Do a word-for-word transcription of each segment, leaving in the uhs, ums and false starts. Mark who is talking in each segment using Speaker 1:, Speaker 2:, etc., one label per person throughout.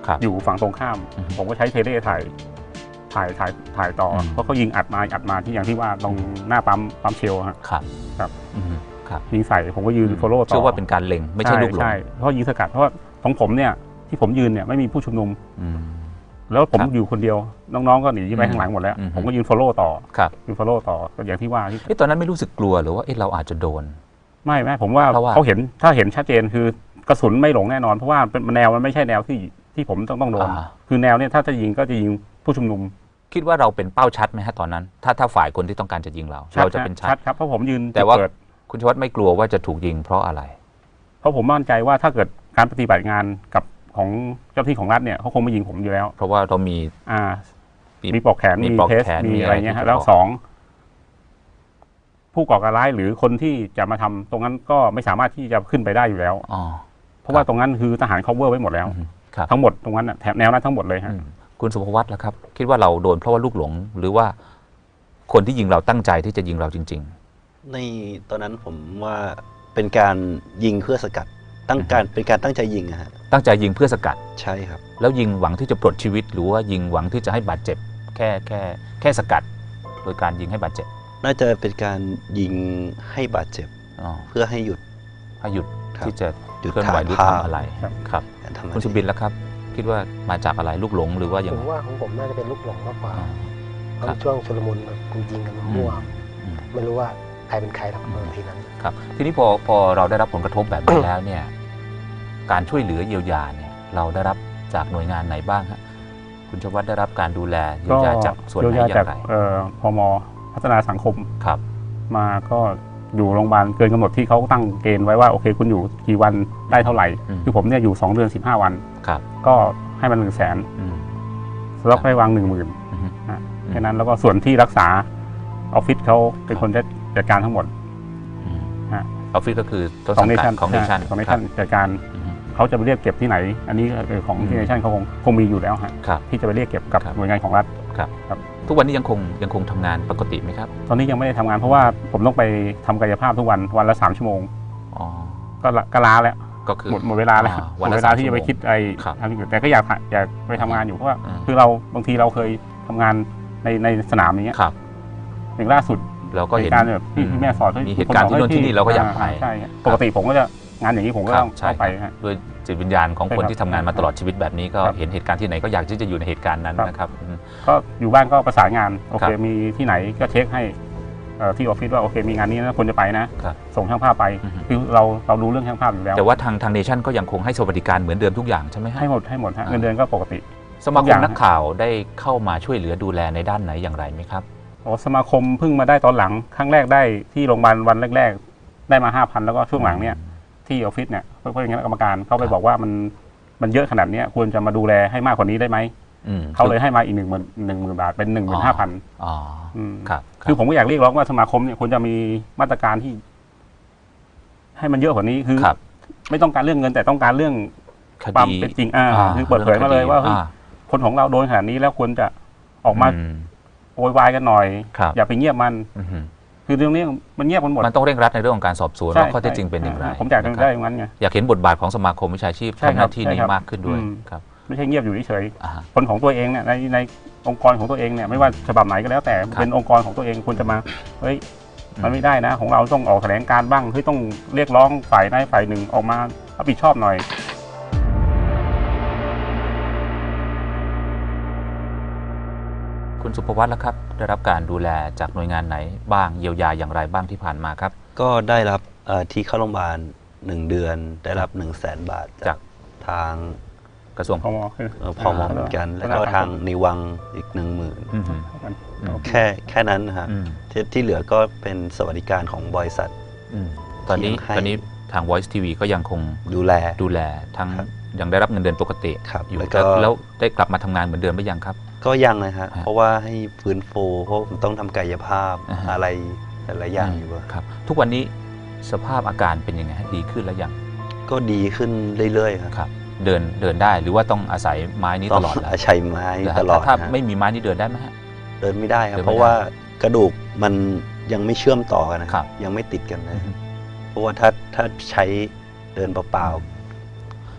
Speaker 1: อยู่ฝั่งตรงข้ามผมก็ใช้เทเลถ่ายถ่ายถ่ายถ่ายต่อเพราะเขายิงอัดมาอัดมาที่อย่างที่ว่าตรงหน้าปั๊มปั๊มเชลครับ
Speaker 2: ครับ
Speaker 1: ครับยิงใส่ผมก็ยืนโฟโล่ต่อ
Speaker 2: เชื่อว่าเป็นการเล็งไม่ใช่ลูกหลง
Speaker 1: ใช่เพราะยิงสกัดเพราะของผมเนี่ยที่ผมยืนเนี่ยไม่มีผู้ชุมนุมแล้วผมอยู่คนเดียวน้องๆก็หนีไปข้างหลังหมดแล้วผมก็ยืนโฟโล่ต่อยืนโฟโล่ต่ออย่างที่ว่า
Speaker 2: ที่ตอนนั้นไม่รู้สึกกลัวหรือว่าเราอาจจะโดน
Speaker 1: ไม่ไม่ผมว่าเขาเห็นถ้าเห็นชัดเจนคือกระสุนไม่หลงแน่นอนเพราะว่าเป็นแนวมันไม่ใช่แนวที่ที่ผมต้องต้องโดนคือแนวเนี่ยถ้าจะยิงก็จะยิงผู้ชุมนุม
Speaker 2: คิดว่าเราเป็นเป้าชัดไหมฮะตอนนั้นถ้าถ้าฝ่ายคนที่ต้องการจะยิงเราเราจะเป็นชัด
Speaker 1: ครับเพราะผมยืน
Speaker 2: แต่ว่าคุณชวัฒน์ไม่กลัวว่าจะถูกยิงเพราะอะไร
Speaker 1: เพราะผมมั่นใจว่าถ้าเกิดการปฏิบัติงานกับของเจ้าที่ของรัฐเนี่ยเขาคงไม่ยิงผมอยู่แล้ว
Speaker 2: เพราะว่าเรามี
Speaker 1: อ่ามีปลอกแขนมีเทสมีอะไรเงี้ยแล้วสองผู้ก่อการร้ายหรือคนที่จะมาทำตรงนั้นก็ไม่สามารถที่จะขึ้นไปได้อยู่แล้วเพราะว่าตรงนั้นคือทหาร cover ไว้หมดแล้วทั้งหมดตรงนั้นแถบแนวนั้นทั้งหมดเลยฮะ
Speaker 2: คุณสุภวัฒน์ล่ะครับคิดว่าเราโดนเพราะว่าลูกหลงหรือว่าคนที่ยิงเราตั้งใจที่จะยิงเราจริง
Speaker 3: ๆในตอนนั้นผมว่าเป็นการยิงเพื่อสกัดตั้งการเป็นการตั้งใจยิงอะฮะ
Speaker 2: ตั้งใจยิงเพื่อสกัด
Speaker 3: ใช่ครับ
Speaker 2: แล้วยิงหวังที่จะปลดชีวิตหรือว่ายิงหวังที่จะให้บาดเจ็บแค่แค่แค่สกัดโดยการยิงให้บาดเจ็บ
Speaker 3: น่าจะเป็นการยิงให้บาดเจ็บเพื่อให้หยุด
Speaker 2: ให้หยุดที่จะเคลื่อนไหวหรือทำอะไรครับคุณสุบินล่ะครับคิดว่ามาจากอะไรลูกหลงหรือว่าอย่าง
Speaker 4: ผมว่าของผมน่าจะเป็นลูกหลงมากกว่าเพราะช่วงชุลมุนแบบยิงกันมั่วไม่รู้ว่าใครเป็นใครทำเมื่อทีนั้น
Speaker 2: ครับทีนี้พอพอเราได้รับผลกระทบแบบนี้แล้วเนี่ยการช่วยเหลือเยียวยาเนี่ยเราได้รับจากหน่วยงานไหนบ้างฮะคุณชวัฒน์ได้รับการดูแลเยียวยาจากส่วนไหนอย่างไร
Speaker 1: พม.พัฒนาสังคม
Speaker 2: ครับ
Speaker 1: มาก็อยู่โรงพยาบาลเกินกำหนดที่เขาตั้งเกณฑ์ไว้ว่าโอเคคุณอยู่กี่วันได้เท่าไหร่คือผมเนี่ยอยู่สองเดือนสิบห้าวันก็ให้มันหนึ่งแสนแล้วก็ให้วางหนึ่งหมื่นแค่นั้นแล้วก็ส่วนที่รักษาออฟฟิศเขาเป็นคนจัดการทั้งหมด
Speaker 2: ออฟฟิศก็คือ
Speaker 1: ของเนชั่น
Speaker 2: ของเนชั่น
Speaker 1: ของเนชั่นจัดการเขาจะไปเรียกเก็บที่ไหนอันนี้ของเนชั่นเขาคงคงมีอยู่แล้วฮะที่จะไปเรียกเก็บกับหน่วยงานของรัฐ
Speaker 2: ครับทุกวันนี้ยังคงยังคงทำงานปกติไหมครับ
Speaker 1: ตอนนี้ยังไม่ได้ทำงานเพราะว่าผมต้องไปทำกายภาพทุกวันวันละสามชั่วโมงก็ก็ล้าแล้ว
Speaker 2: ก็คือ
Speaker 1: หมดหมดเวลาแล้วหมดเวลาที่จะไปคิดอะไรทำอย่างอื่นแต่ก็อยากอยากไปทำงานอยู่เพราะว่าคือเราบางทีเราเคยทำงานในในสนามอย่างเงี้ยอย่างล่าสุด
Speaker 2: เราก็เห็น
Speaker 1: การแบบที่แม่สอน
Speaker 2: มีเหตุการณ์ที่โน่นที่นี่เราก็อยากไป
Speaker 1: ใช่ปกติผมก็จะงานอย่างนี้ผมก็ต้องไป
Speaker 2: ด้วยจิตวิญญาณของคนที่ทำงานมาตลอดชีวิตแบบนี้ก็เห็นเหตุการณ์ที่ไหนก็อยากที่จะอยู่ในเหตุการณ์นั้นนะครับ
Speaker 1: ก็อยู่บ้านก็ประสานงานโอเคมีที่ไหนก็เช็คให้ที่ออฟฟิศว่าโอเคมีงานนี้นะคนจะไปนะส่งช่างภาพไปคือเราเรารู้เรื่องช่างภาพอยู่แล้ว
Speaker 2: แต่ว่าทางทางเนชั่นก็ยังคงให้สวัสดิการเหมือนเดิมทุกอย่างใช่ไหม
Speaker 1: ให้หมดให้หมดเงินเดือนก็ปกติ
Speaker 2: สมาคมนักข่าวได้เข้ามาช่วยเหลือดูแลในด้านไหนอย่างไรไหมครับ
Speaker 1: โอ้สมาคมเพิ่งมาได้ตอนหลังครั้งแรกได้ที่โรงพยาบาลวันแรกๆได้มาห้าพันแล้วก็ช่วงหลังเนี่ยที่ออฟฟิศเนี่ยเพื่อนคณะกรรมการเขาไปบอกว่ามันมันเยอะขนาดนี้ควรจะมาดูแลให้มากกว่านี้ได้ไหมเขาเลยให้มาอีกหนึ่งหมื่นหนึ่งหมื่นบาทเป็นหนึ่งหมื่นห้าพันคือผมก็อยากเรียกร้องว่าสมาคมเนี่ยควรจะมีมาตรการที่ให้มันเยอะกว่านี้คือไม่ต้องการเรื่องเงินแต่ต้องการเรื่องความเป็นจริงอ่าคือเปิดเผยมาเลยว่าคนของเราโดนขนาดนี้แล้วควรจะออกมาโวยวายกันหน่อยอย่าไปเงียบมันคือเรื่องนี้มันเงียบกันหมด
Speaker 2: มันต้องเร่งรัดในเรื่องของการสอบสวนว่าข้อเท็จจริงเป็นอย่างไร
Speaker 1: ผมอยากได้อย่างนั้นไง
Speaker 2: อยากเห็นบทบาทของสมาคมวิชาชีพทำหน้าที่นี้มากขึ้นด้วยครับ
Speaker 1: ไม่ใช่เงียบอยู่เฉยๆคนของตัวเองเนี่ยในในองค์กรของตัวเองเนี่ยไม่ว่าฉบับไหนก็แล้วแต่เป็นองค์กรของตัวเองควรจะมาเฮ้ยมันไม่ได้นะของเราต้องออกแถลงการบ้างเฮ้ยต้องเรียกร้องฝ่ายใดฝ่ายหนึ่งออกมารับผิดชอบหน่อย
Speaker 2: คุณสุภวัฒน์ล่ะครับได้รับการดูแลจากหน่วยงานไหนบ้างเยียวยาอย่างไรบ้างที่ผ่านมาครับ
Speaker 3: ก็ได้รับที่เข้าโรงพยาบาลหนึ่งเดือนได้รับหนึ่งแสนบาทจากทาง
Speaker 2: กระทรวง
Speaker 1: พม.
Speaker 3: พม.เหมือนกันแล้วก็ทางนิวังอีกหนึ่งหมื่นแค่แค่นั้นนะครับที่เหลือก็เป็นสวัสดิการของบริษัท
Speaker 2: ตอนนี้ตอนนี้ทาง Voice ที วี ก็ยังคง
Speaker 3: ดูแล
Speaker 2: ดูแลทั้งยังได้รับเงินเดือนปกติอยู่แล้วได้กลับมาทำงานเหมือนเดิมหรือยังครับ
Speaker 3: ก็ยังนะฮะเพราะว่าให้ฟื้นฟูเพราะผมต้องทำกายภาพอะไรหลายอย่างอยู่
Speaker 2: ครับทุกวันนี้สภาพอาการเป็นยังไงดีขึ้นแล้วยัง
Speaker 3: ก็ดีขึ้นเรื่อยๆ
Speaker 2: ครับเดินเดินได้หรือว่าต้องอาศัยไม้นี้ตลอด
Speaker 3: อาศัยไม้ตลอด
Speaker 2: ถ้าไม่มีไม้นี้เดินได้ไหมฮะ
Speaker 3: เดินไม่ได้ครับเพราะว่ากระดูกมันยังไม่เชื่อมต่อกันนะครับยังไม่ติดกันเลยเพราะว่าถ้าถ้าใช้เดินเปล่าๆ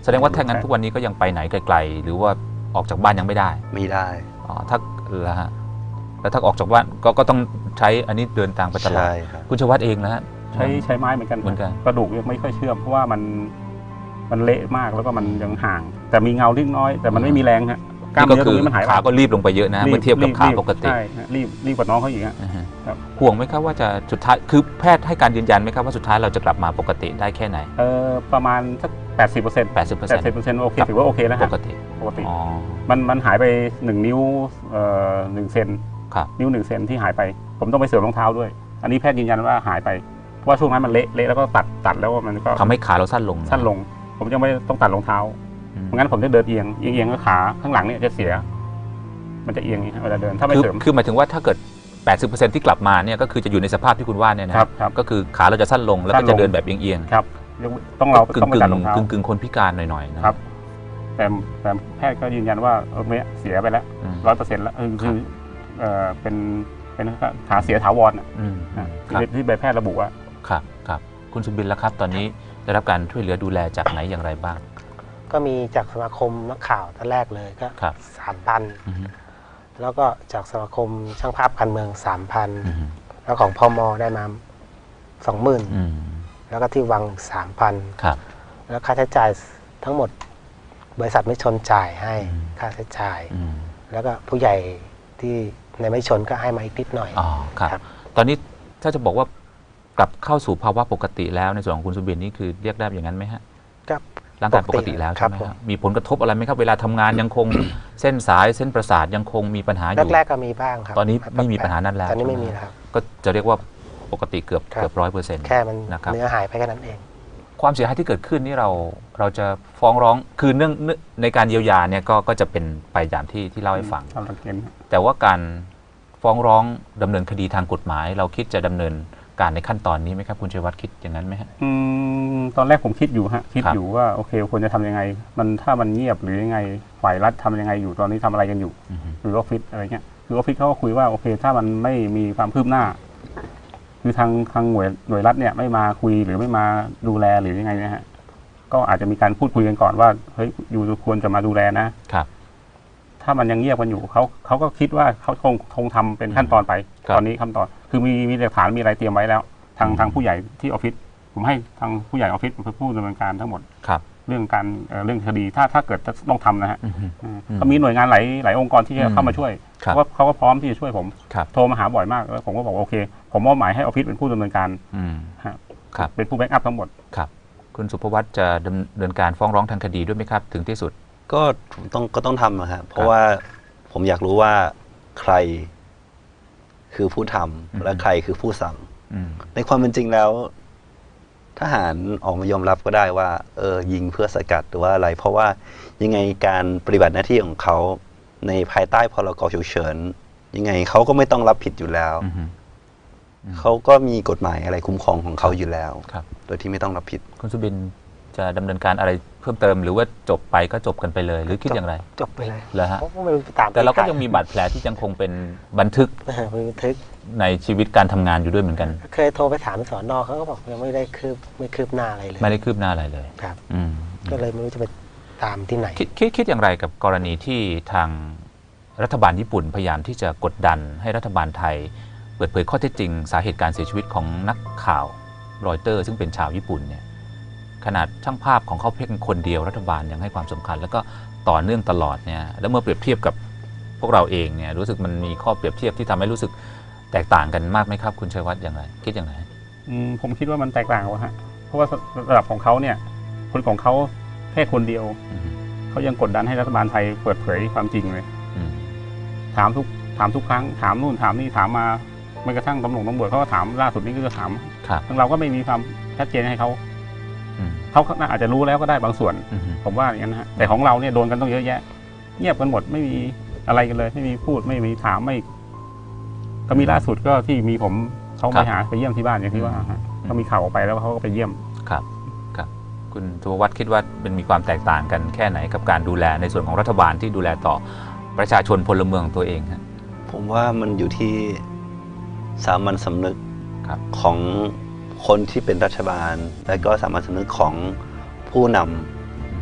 Speaker 2: แสดงว่าถ้างั้นทุกวันนี้ก็ยังไปไหนไกลๆหรือว่าออกจากบ้านยังไม่ได้
Speaker 3: ไม่ได้
Speaker 2: อ๋อถ้าแล้วฮะแล้วถ้าออกจากบ้านก็ก็ต้องใช้อันนี้เดินทางไปตลอด
Speaker 3: ใช่ครับ
Speaker 2: คุณชวัฒน์เองนะฮะ
Speaker 1: ใช้ใช้ไม้เหมือนกัน
Speaker 2: เหมือนกัน
Speaker 1: กระดูกยังไม่ค่อยเชื่อมเพราะว่ามันมันเละมากแล้วก็มันยังห่าง แต่มีเงาเล็กน้อยแต่มันไม่มีแรงฮะกล้าม
Speaker 2: นี่ก็
Speaker 1: เนื้อตร
Speaker 2: คื
Speaker 1: ง
Speaker 2: อ
Speaker 1: นี้มันหายไป
Speaker 2: ขาก็รีบลงไปเยอะนะเมื่อเทียบกับขาปกติ
Speaker 1: ใช่ฮะรีบรีบกว่าน้องเขาอีกฮะ
Speaker 2: อ่าฮะ
Speaker 1: ครับ
Speaker 2: ห่วงไหมครับว่าจะสุดท้ายคือแพทย์ให้การยืนยันไหมครับว่าสุดท้ายเราจะกลับมาปกติได้แค่ไหน
Speaker 1: เออประมาณสักแปดสิบเปอร์เซ็นต์
Speaker 2: แปดสิบเปอร์
Speaker 1: แป
Speaker 2: เซ็น
Speaker 1: ด
Speaker 2: ต์
Speaker 1: สิบเปอร์เซ็นต์โอเคถือว่าโอเคแล้ว
Speaker 2: ป
Speaker 1: ฮะ
Speaker 2: กติ
Speaker 1: ปกติ
Speaker 2: อ๋อ
Speaker 1: มันมันหายไปหนึ่งนิ้วเอ่อหนึ่งเซน
Speaker 2: ครับ
Speaker 1: นิ้วหนึ่งเซนที่หายไป ผมต้องไปเสริมรองเท้าด้วย อันนี้แพทย์ยืนยันว่าหายไปเพราะว่าช่วงนั้นมันเละเละแล้วก็ตัดตัดแล้วมันก็
Speaker 2: ทำให้ขาเราสั้นลงะ
Speaker 1: สั้นลง ผมยังไม่ต้องตัดรองเท้า
Speaker 2: อืม
Speaker 1: เพราะงั้นผมจะเดินเอียงเอียงเอียงก็ขาข้างหลังเนี่ยจะเสีย มันจะเอียงอย่างนี้เวลาเดินถ้าไม่
Speaker 2: คือ
Speaker 1: เสริม
Speaker 2: คือหมายถึงว่าถ้าเกิด แปดสิบเปอร์เซ็นต์ ที่กลับมาเนี่ยก็คือจะอยู่ในสภาพที่คุณว่าเนี่ยนะครับ
Speaker 1: ครับ
Speaker 2: ก็คือขาเราจะสั้นลงแล้ว
Speaker 1: สั้
Speaker 2: ก็
Speaker 1: นลง
Speaker 2: จะเดินแบบเอียง
Speaker 1: ครับต้องเรา
Speaker 2: ๆกึ่
Speaker 1: ต้อง งไป
Speaker 2: กึ่
Speaker 1: ตัด
Speaker 2: ง
Speaker 1: รองเท้าก
Speaker 2: ึ่งกึ่งคนพิการหน่อยๆนะครับ
Speaker 1: แต่แต่แพทย์ก็ยืนยันว่าเออเนี่ยเสียไปแล้ว
Speaker 2: อืม
Speaker 1: ร้อยเปอร์เซ็นต์แล้วคือคือเออเป็นเป็นขาเสียถาวรอ่ะ
Speaker 2: อืม
Speaker 1: นะครับ ที่ที่ใบแพทย์ระบุว่า
Speaker 2: ครับครับคุณสุบินแล้วครับ ตอนนี้ได้รับการช่วยเหลือดูแลจากไหนอย่างไรบ้าง
Speaker 4: ก็มีจากสมาคมนักข่าวท่านแรกเลยก็
Speaker 2: ครับ
Speaker 4: สามพัน
Speaker 2: อืม
Speaker 4: แล้วก็จากสมาคมช่างภาพการเมืองสามพัน
Speaker 2: อืม
Speaker 4: แล้วของพมได้มาสองหมื่น
Speaker 2: อืม
Speaker 4: แล้วก็ที่วังสามพัน
Speaker 2: ครับ
Speaker 4: แล้วค่าใช้จ่ายทั้งหมด บริษัทไม่ชนจ่ายให้
Speaker 2: อืม
Speaker 4: ค่าใช้จ่าย
Speaker 2: อืม
Speaker 4: แล้วก็ผู้ใหญ่ที่ในไม่ชนก็ให้มาอีกนิดหน่อย
Speaker 2: อ๋อครับ
Speaker 4: ครับ
Speaker 2: ตอนนี้ถ้าจะบอกว่ากลับเข้าสู่ภาวะปกติแล้วในส่วนของคุณสุบินนี่คือเรียกได้อย่างนั้นไหมฮะ
Speaker 4: ก็
Speaker 2: ร่างกายปกติแล้ว
Speaker 4: ครั
Speaker 2: ใช่
Speaker 4: บ
Speaker 2: ไหม
Speaker 4: ผม
Speaker 2: ครับมีผลกระทบอะไรไหมครับเวลาทำงานยังคง เส้นสายเส้นประสาทยังคงมีปัญหาอยู่
Speaker 4: แรกๆก็มีบ้างครับ
Speaker 2: ตอนนี้ไม่มีปัญหานั้นแล้ว
Speaker 4: ตอนนี้ไม่
Speaker 2: ใช่ไหม
Speaker 4: มีแล้วครับ
Speaker 2: ก็จะเรียกว่าปกติเกือบ
Speaker 4: ครับ
Speaker 2: เกือบร้อยเปอร์เซ็นต์
Speaker 4: แค่มัน
Speaker 2: นะครับ
Speaker 4: เนื้อหายไปแค่นั้นเอง
Speaker 2: ความเสียหายที่เกิดขึ้นนี่เราเราจะฟ้องร้องคือเนื่องเนื่องในการเยียวยาเนี่ยก็ก็จะเป็นไปอย่างที่ที่เล่าให้ฟัง
Speaker 1: ตามหลักเกณฑ์
Speaker 2: แต่ว่าการฟ้องร้องดำเนินคดีทางกฎหมาย เราคิดจะดำเนินการในขั้นตอนนี้ไหมครับคุณชัยวัฒน์คิดอย่างนั้นไหมฮะ
Speaker 1: อืมตอนแรกผมคิดอยู่ฮะคิด
Speaker 2: ครับ
Speaker 1: อยู่ว่าโอเคควรจะทำยังไง มันถ้ามันเงียบหรือยังไงฝ่ายรัฐทำยังไงอยู่ตอนนี้ทำอะไรกันอยู่
Speaker 2: อือฮึ
Speaker 1: หรือออฟฟิศอะไรเงี้ยคือออฟฟิศเขาก็คุยว่าโอเค ถ้ามันไม่มีความคืบหน้า คือทางทางหน่วยหน่วยรัฐเนี่ยไม่มาคุยหรือไม่มาดูแลหรือยังไงเนะฮะก็อาจจะมีการพูดคุยกันก่อนว่าเฮ้ยอยู่ควรจะมาดูแลนะ
Speaker 2: ครับ
Speaker 1: ถ้ามันยังเงียบกันอยู่เขาเขาก็คิดว่าเขาคงคงทำเป็นขั้นตอนไป
Speaker 2: ครับ
Speaker 1: ตอนนี้ขั้นตอน คือมีมีหลักฐานมีอะไรเตรียมไว้แล้ว ทาง
Speaker 2: อืม
Speaker 1: ทางผู้ใหญ่ที่ออฟฟิศผมให้ทางผู้ใหญ่ออฟฟิศเป็นผู้ดำเนินการทั้งหมด
Speaker 2: ครับ
Speaker 1: เรื่องการเอ่อเรื่องคดีถ้าถ้าเกิดจะต้องทำนะฮะ
Speaker 2: อือฮึ
Speaker 1: อืม
Speaker 2: อืม
Speaker 1: ก็มีหน่วยงานหลายหลายองค์กรที่
Speaker 2: อื
Speaker 1: จะ
Speaker 2: ม
Speaker 1: เข้ามาช่วย
Speaker 2: ครั
Speaker 1: เพ
Speaker 2: บ
Speaker 1: ราะว่าเขาก็พร้อมที่จะช่วยผม
Speaker 2: ครับ
Speaker 1: โทรมาหาบ่อยมากแล้วผมก็บอกว่าโอเค ผมมอบหมายให้ออฟฟิศเป็นผู้ดำเนินการ
Speaker 2: อืม
Speaker 1: ฮะ
Speaker 2: ครับ
Speaker 1: เป็นผู้แบ็กอัพทั้งหมด
Speaker 2: ครับคุณสุภวัฒน์จะดำเนินการฟ้องร้องทางคดีด้วยไหมครับ ถึงที่สุด
Speaker 3: ก็ต้องก็ต้องทำนะฮะเพราะว่าผมอยากรู้ว่าใครคือผู้ทำ
Speaker 2: อืม
Speaker 3: และใครคือผู้สั่ง
Speaker 2: อืม
Speaker 3: ในความเป็นจริงแล้ว ทหารออกมายอมรับก็ได้ว่า เออยิงเพื่อสกัดหรือว่าอะไร เพราะว่ายังไงการปฏิบัติหน้าที่ของเขาในภายใต้พรกฉุกเฉินยังไงเขาก็ไม่ต้องรับผิดอยู่แล้ว
Speaker 2: อือฮึ
Speaker 3: เขาก็มีกฎหมายอะไรคุ้มครองของเขาอยู่แล้ว
Speaker 2: ครับ
Speaker 3: โดยที่ไม่ต้องรับผิด
Speaker 2: คุณสุบินจะดำเนินการอะไรเพิ่มเติมหรือว่าจบไปก็จบกันไปเลย หรือคิดอย่างไร
Speaker 4: จบไปเลย
Speaker 2: เหรอฮะ
Speaker 4: เพราะว่าไม่รู้จะตาม
Speaker 2: แต่เราก็
Speaker 4: ใค
Speaker 2: ยังมีบาดแผลที่ยังคงเป็นบันทึก
Speaker 4: มีบันทึก
Speaker 2: ในชีวิตการทำงานอยู่ด้วยเหมือนกัน
Speaker 4: เคยโทรไปถามสอนอเขาก็บอกยังไม่ได้คืบไม่คืบหน้าอะไรเลย
Speaker 2: ไม่ได้คืบหน้าอะไรเลย
Speaker 4: ครับ
Speaker 2: อืม
Speaker 4: ก็เลยไม่รู้จะไปตามที่ไหน
Speaker 2: คิดคิดคิดอย่างไรกับกรณีที่ทางรัฐบาลญี่ปุ่นพยายามที่จะกดดันให้รัฐบาลไทย เปิดเผยข้อเท็จจริง สาเหตุการเสียชีวิตของนักข่าวรอยเตอร์ ซึ่งเป็นชาวญี่ปุ่นเนี่ยขนาดช่างภาพของเขาเพียงคนเดียวรัฐบาลยังให้ความสำคัญ แล้วก็ต่อเนื่องตลอดเนี่ยแล้วเมื่อเปรียบเทียบกับพวกเราเองเนี่ยรู้สึกมันมีข้อเปรียบเทียบที่ทำให้รู้สึกแตกต่างกันมากไหมครับคุณชัยวัฒน์อย่างไรคิดอย่างไร
Speaker 1: อืมผมคิดว่ามันแตกต่างกว่าฮะเพราะว่าระดับของเขาเนี่ย คนของเขาแค่คนเดียว
Speaker 2: อืม
Speaker 1: เขายังกดดันให้รัฐบาลไทยเปิดเผยความจริงเลย
Speaker 2: อืม
Speaker 1: ถามทุกถามทุกครั้งถามนู่นถามนี่ถามมาแม้กระทั่งตำรวจตำรวจเขาก็ถามล่าสุดนี้ก็จะถาม
Speaker 2: ครับ
Speaker 1: ทางเราก็ไม่มีความชัดเจนให้เขา
Speaker 2: อืม
Speaker 1: เขาน่าอาจจะรู้แล้วก็ได้บางส่วน
Speaker 2: อืม
Speaker 1: ผมว่าอย่างนั้นนะฮะแต่ของเราเนี่ยโดนกันต้องเยอะแยะ เงียบกันหมดไม่มีอะไรกันเลย ไม่มีพูดไม่มีถามไม่ ก็มีล่าสุดก็ที่มีผมเขาไปหาไปเยี่ยมที่บ้านอย่างที่ว่าฮะก็มีข่าวออกไปแล้วเขาก็ไปเยี่ยม
Speaker 2: ครับครับคุณสุภวัฒน์คิดว่ามันมีความแตกต่างกันแค่ไหนกับการดูแลในส่วนของรัฐบาลที่ดูแลต่อประชาชนพลเมืองตัวเองฮะ
Speaker 3: ผมว่ามันอยู่ที่สามัญสำนึก
Speaker 2: ครับ
Speaker 3: ของคนที่เป็นรัฐบาล และก็สามัญสำนึกของผู้น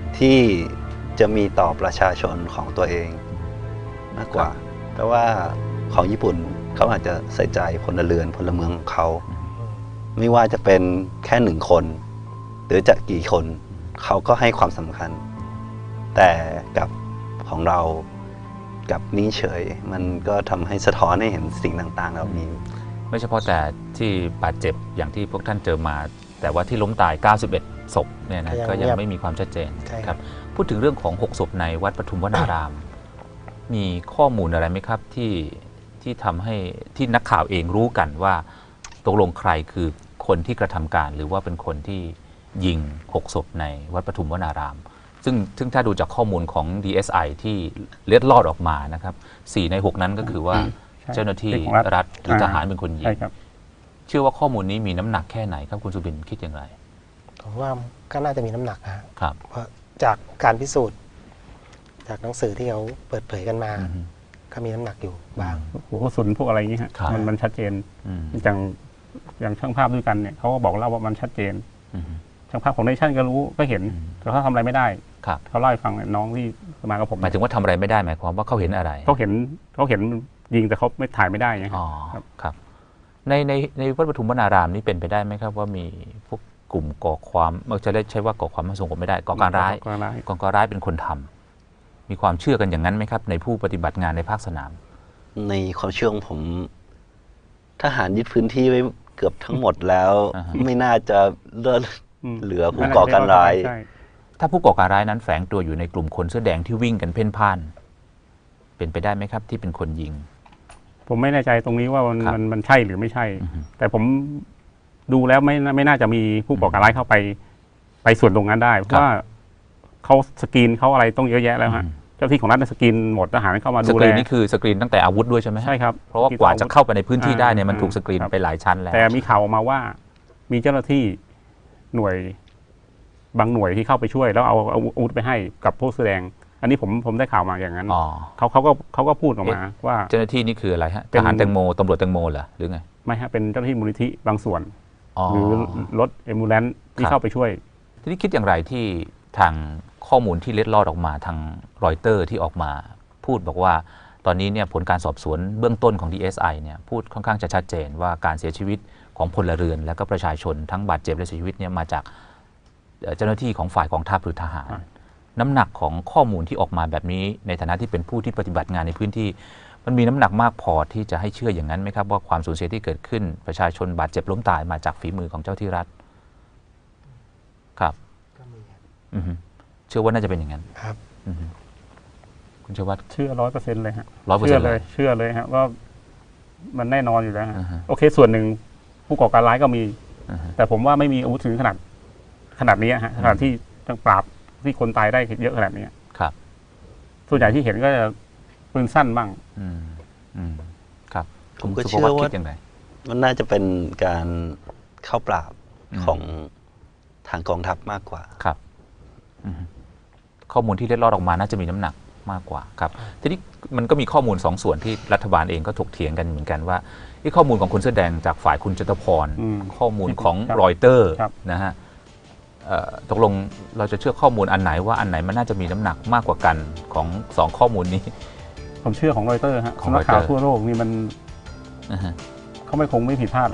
Speaker 3: ที่จะมีต่อประชาชนของตัวเองมากกว่าแต่ว่าของญี่ปุ่นเขาอาจจะใส่ใจพลเรือนพลเมืองของเขาไม่ว่าจะเป็นแค่หนึ่งคน หรือจะกี่คนเขาก็ให้ความสำคัญ แต่กับของเรากับนิ่งเฉย มันก็ทำให้สะท้อนให้เห็นสิ่งต่างๆเหล่านี้
Speaker 2: ไม่เฉพาะแต่ที่บาดเจ็บอย่างที่พวกท่านเจอมา แต่ว่าที่ล้มตาย เก้าสิบเอ็ด ศพเนี่ยนะก็ยังไม่มีความชัดเจนครับพูดถึงเรื่องของ หก ศพในวัดปทุมวนาราม มีข้อมูลอะไรไหมครับที่ที่ทำให้ที่นักข่าวเองรู้กันว่าตกลงใครคือคนที่กระทำการหรือว่าเป็นคนที่ยิง หก ศพในวัดปทุมวนาราม ซึ่งซึ่งถ้าดูจากข้อมูลของ ดี เอส ไอ ที่เล็ดลอดออกมานะครับสี่ในหกนั้นก็คือว่าเจ้าหน้าที่รัฐหรือทหารเป็นคนยิงเชื่อว่าข้อมูลนี้มีน้ำหนักแค่ไหนครับคุณสุบินคิดอย่างไร
Speaker 4: ผมว่าก็น่าจะมีน้ำหนัก
Speaker 2: ครับ
Speaker 4: เพราะจากการพิสูจน์จากหนังสือที่เขาเปิดเผยกันมาก็มีน้ำหนักอยู่บาง
Speaker 1: หัวกระสุนพวกอะไรอย่างนี้ฮะมันมันชัดเจนอย่างอย่างช่างภาพด้วยกันเนี่ยเขาก็บอกเล่าว่ามันชัดเจนช่างภาพของเนชั่นก็รู้ก็เห็นแต่เขาทำอะไรไม่ได้เขาเล่าให้ฟังน้องที่มากับผม
Speaker 2: หมายถึงว่าทำอะไรไม่ได้หมายความว่าเขาเห็นอะไร
Speaker 1: เขาเห็นเขาเห็นยิงแต่เขาไม่ถ่ายไม่ได้ไง
Speaker 2: อ๋อครับในในในวัดปทุมวนารามนี่เป็นไปได้ไหมครับว่ามีพวกกลุ่มก่อความเราจะได้ใช้ว่าก่อความไม่สงบไม่ได้ก่อการร้ายก่อการร้ายเป็นคนทำมีความเชื่อกันอย่างนั้นไหมครับในผู้ปฏิบัติงานในภาคสนาม
Speaker 3: ในความเชื่อของผมทหารยึดพื้นที่ไว้เกือบทั้งหมดแล้วไม่น่าจะเลือเหลือผู้ก่อการร้าย
Speaker 2: ถ้าผู้ก่อการร้ายนั้นแฝงตัวอยู่ในกลุ่มคนเสื้อแดงที่วิ่งกันเพ่นพ่านเป็นไปได้ไหมครับที่เป็นคนยิง
Speaker 1: ผมไม่แน่ใจตรงนี้ว่ามันมันมันใช่หรือไม่ใช่แต่ผมดูแล้วไม่ไม่น่าจะมีผู้ก่อการร้ายเข้าไปไปส่วนตรงนั้นได้เพราะว่าเขาสกรีนเขาอะไรต้องเยอะแยะแล้วฮะเจ้าที่ของรัฐสกรีนหมดทหารเข้ามาดูแล
Speaker 2: สกรีนนี่คือสกรีนตั้งแต่อาวุธด้วยใช่ไหม
Speaker 1: ใช่ครับ
Speaker 2: เพราะว่ากว่าจะเข้าไปในพื้นที่ได้เนี่ยมันถูกสกรีนไปหลายชั้นแล้ว
Speaker 1: แต่มีข่าวมาว่ามีเจ้าหน้าที่หน่วยบางหน่วยที่เข้าไปช่วยแล้วเอาอาวุธไปให้กับผู้แสดงอันนี้ผมผมได้ข่าวมาอย่างนั้นเขาเขาก็เขาก็พูดออกมาว่า
Speaker 2: เจ้าหน้าที่นี่คืออะไรฮะทหารแตงโมตำรวจแตงโมเหรอหรือไง
Speaker 1: ไม่ฮะเป็นเจ้าหน้าที่มูลนิธิบางส่วนหรือรถเอมบูเลนซ์ที่เข้าไปช่วย
Speaker 2: ทีนี้คิดอย่างไรที่ทางข้อมูลที่เล็ดลอดออกมาทางรอยเตอร์ที่ออกมาพูดบอกว่าตอนนี้เนี่ยผลการสอบสวนเบื้องต้นของ ดี เอส ไอ เนี่ยพูดค่อนข้างจะชัดเจนว่าการเสียชีวิตของพลเรือนและก็ประชาชนทั้งบาดเจ็บและเสียชีวิตเนี่ยมาจากเจ้าหน้าที่ของฝ่ายกองทัพหรือทหารน้ำหนักของข้อมูลที่ออกมาแบบนี้ในฐานะที่เป็นผู้ที่ปฏิบัติงานในพื้นที่มันมีน้ำหนักมากพอที่จะให้เชื่ออย่างนั้นไหมครับว่าความสูญเสียที่เกิดขึ้นประชาชนบาดเจ็บล้มตายมาจากฝีมือของเจ้าที่รัฐครับเชื่อว่าน่าจะเป็นอย่างนั้น
Speaker 4: ครับ
Speaker 2: คุณเชื่อว่า
Speaker 1: เชื่อร้อยเปอร์เซ็นต์เลยฮะ
Speaker 2: ร้อยเปอร์เซ็นต์
Speaker 1: เลยเชื่อเลยฮะว่ามันแน่นอนอยู่แล้วฮะโอเคส่วนหนึ่งผู้ก่อการร้ายก็มีแต่ผมว่าไม่มีอาวุธถึงขนาดขนาดนี้ฮะขนาดที่ต้องปราบที่คนตายได้เยอะขนาดนี้
Speaker 2: ครับ
Speaker 1: ส่วนใหญ่ที่เห็นก็จะปืนสั้นบ้าง
Speaker 2: อืมอืมครับ
Speaker 3: ผมก็เชื่อว่ามันน่าจะเป็นการเข้าปราบของทางกองทัพมากกว่า
Speaker 2: ครับข้อมูลที่เล็ดลอดออกมาน่าจะมีน้ำหนักมากกว่าครับทีนี้มันก็มีข้อมูลสองส่วนที่รัฐบาลเองก็ถกเถียงกันเหมือนกันว่าที่ข้อมูลของคุณเสื้อแดงจากฝ่ายคุณจตุพรข้อมูลของรอยเตอร์นะฮะตกลงเราจะเชื่อข้อมูลอันไหนว่าอันไหนมันน่าจะมีน้ำหนักมากกว่ากันของสองข้อมูลนี้
Speaker 1: ผมเชื่อของรอยเตอร์ฮะของนักข่าวทั่วโลกนี่มันเขาไม่คงไม่ผิดพลาด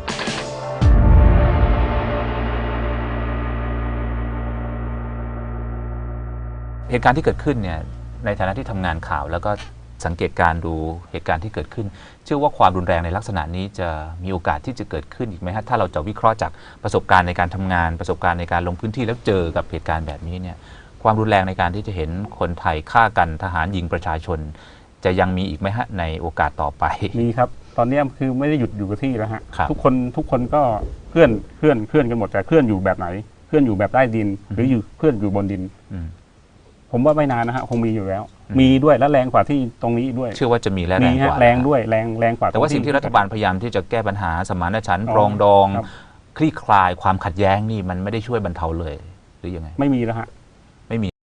Speaker 2: เหตุการณ์ที่เกิดขึ้นเนี่ยในฐานะที่ทำงานข่าวแล้วก็สังเกตการดูเหตุการณ์ที่เกิดขึ้นเชื่อว่าความรุนแรงในลักษณะนี้จะมีโอกาสที่จะเกิดขึ้นอีกไหมฮะถ้าเราจะวิเคราะห์จากประสบการณ์ในการทำงานประสบการณ์ในการลงพื้นที่แล้วเจอกับเหตุการณ์แบบนี้เนี่ยความรุนแรงในการที่จะเห็นคนไทยฆ่ากันทหารยิงประชาชนจะยังมีอีกไหมฮะในโอกาสต่อไป
Speaker 1: มีครับตอนนี้คือไม่ได้หยุดอยู่กับที่แล้วฮะทุกคนทุกคนก็เคลื่อนเคลื่อนเคลื่อนกันหมดแต่เคลื่อนอยู่แบบไหนเคลื่อนอยู่แบบใต้ดินหรืออยู่เคลื่อนอยู่บนดินผมว่าไม่นานนะฮะคงมีอยู่แล้วมีด้วยและแรงกว่าที่ตรงนี้ด้วย
Speaker 2: เชื่อว่าจะมีแรงกว่า
Speaker 1: แรงด้วยแรงแรงกว่า
Speaker 2: แต่ว่าสิ่งที่รัฐบาลพยายามที่จะแก้ปัญหาสมานฉันท์ปรองดองคลี่คลายความขัดแย้งนี่มันไม่ได้ช่วยบรรเทาเลยหรือยังไง
Speaker 1: ไม่มีแล้วฮะ
Speaker 2: ไม่มี